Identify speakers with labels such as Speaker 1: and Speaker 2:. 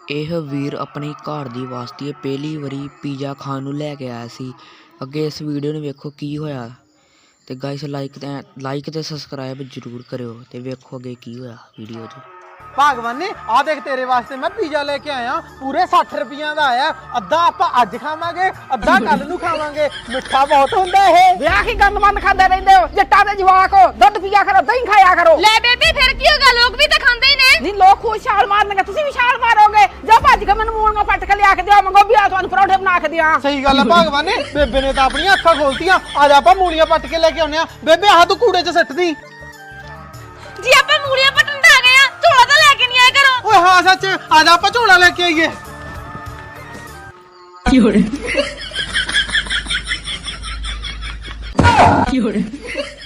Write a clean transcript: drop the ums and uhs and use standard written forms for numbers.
Speaker 1: ਇਹ ਵੀਰ ਆਪਣੀ ਘਰ ਦੀ ਵਾਸਤੇ ਪਹਿਲੀ ਵਾਰੀ ਪੀਜ਼ਾ ਖਾਣ ਨੂੰ ਲੈ ਕੇ ਆਇਆ ਸੀ। ਅੱਗੇ ਇਸ ਵੀਡੀਓ ਨੂੰ ਵੇਖੋ ਕੀ ਹੋਇਆ ਤੇ ਗਾਇਸ ਲਾਈਕ ਤੇ ਸਬਸਕ੍ਰਾइब ਜ਼ਰੂਰ ਕਰਿਓ ਤੇ ਵੇਖੋ ਅੱਗੇ ਕੀ ਹੋਇਆ ਵੀਡੀਓ 'ਚ।
Speaker 2: ਭਗਵਾਨ ने आ देख तेरे वास्ते मैं पिज़्ज़ा लेके आया पूरे 60 रुपया का आया। अद्धा आपां अज खावांगे अद्धा कल नूं खावांगे। मिठा बहुत हुंदा है।
Speaker 3: ਵਿਆਹ ਕੀ ਗੰਦ ਮੰਦ ਖਾਂਦੇ ਰਹਿੰਦੇ ਹੋ ਜੱਟਾਂ ਦੇ ਜਵਾਕ ਹੋ ਦੁੱਧ ਪੀਆ ਕਰੋ ਦਹੀਂ ਖਾਇਆ ਕਰੋ।
Speaker 4: ਲੈ ਬੇਬੇ ਫਿਰ ਕੀ ਹੋਗਾ ਲੋਕ ਵੀ ਤਾਂ ਖਾਂਦੇ ਹੀ ਨੇ।
Speaker 3: ਨਹੀਂ ਲੋਕ ਖੁਦ ਛਾਲ ਮਾਰਨਗੇ ਤੁਸੀਂ ਵੀ ਛਾਲ ਮਾਰੋਗੇ। ਜਾ ਭੱਜ ਕੇ ਮੈਨੂੰ ਮੂਲੀਆਂ ਪੱਟ ਕੇ ਲਿਆ ਕੇ ਦਿਓ ਮੰਗੋ ਵੀ ਆ ਤੁਹਾਨੂੰ ਪਰੌਂਠੇ ਬਣਾ ਕੇ ਦਿਆਂ।
Speaker 2: सही गल है भगवान ने बेबे ने तो अपनी अखां खोलतियां। आज आपां मूलियां पट के लेके आउने आ। बेबे आ तू कूड़े च सट्ट दी।
Speaker 4: जी ਆਪਾਂ ਮੂਲੀਆਂ ਪਟਣ ਤਾਂ ਆ ਗਏ ਆ ਝੋਲਾ ਤਾਂ ਲੈ ਕੇ ਨਹੀਂ ਆਇਆ ਕਰੋ।
Speaker 2: ओए हां सच आज आपां झोला लेके आइए।
Speaker 3: ਕੀ ਹੋ ਰਿਹਾ